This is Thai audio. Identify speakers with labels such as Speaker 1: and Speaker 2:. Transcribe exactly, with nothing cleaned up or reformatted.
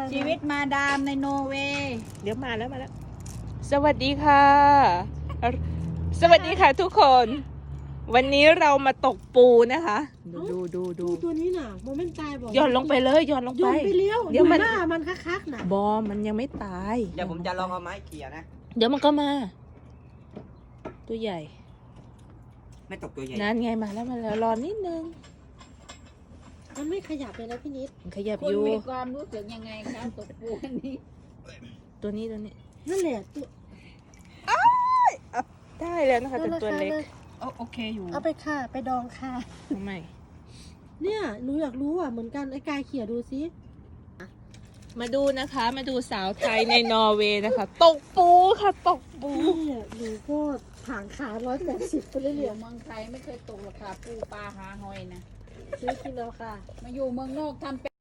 Speaker 1: ชีวิตมาดามในโนเวย์
Speaker 2: เดี๋ยวมาแล้วมาแล้ว สวัสดีค่ะ สวัสดีค่ะทุกคน วันนี้เรามาตกปูนะคะ ดูดูดู
Speaker 3: ปูตัวนี้น่ะโมเมนต์ตายบอก
Speaker 2: ย้อนลงไปเลยย้อนลง
Speaker 3: โย
Speaker 2: ไป
Speaker 3: นไปเลี้ยว
Speaker 2: เดี๋ยวมัน
Speaker 3: หน้ามันคักๆน่ะ
Speaker 2: บอมันยังไม่ตาย
Speaker 4: เดี๋ยวผมจะลองเอาไม้เขี่ยนะ
Speaker 2: เดี๋ยวมันก็มา ตัวใหญ่
Speaker 4: ไม่ตกตัวใหญ่
Speaker 2: นั่นไงมาแล้วมาแล้วรอนิดนึง
Speaker 3: มันไม่ขยับเลยนะพี่นิด
Speaker 2: มันขยับ
Speaker 1: คุ
Speaker 2: อ
Speaker 1: ณ
Speaker 2: ยู่
Speaker 1: มีความรู้สึกยังไงคะตกปูอันนี้
Speaker 2: ตัวนี้ตัวนี้
Speaker 3: นั่นแหละตัว
Speaker 2: ได้แล้วนะคะแต่ตัวเล็ก
Speaker 1: โอเคอยู่
Speaker 3: เอาไปค่ะไปดองค่ะ
Speaker 2: ทำไม
Speaker 3: เนี่ยหนูอยากรู้อ่ะเหมือนกันไอ้กายเขี่ยดูซิ
Speaker 2: มาดูนะคะ มาดูสาวไทยในนอร์เวย์นะคะ ตกปูค่ะตกปู
Speaker 3: เนี่ยหนูก็ผางขาร้อยแปดสิบไปเรื่
Speaker 1: อ
Speaker 3: อย
Speaker 1: ยู่เมืองไทยไม่เคยตกราคาปูปลาหาหอยนะ
Speaker 3: ๆซื้อกินแล้วค่ะ
Speaker 1: มาอยู่เมืองนอกทำเป็น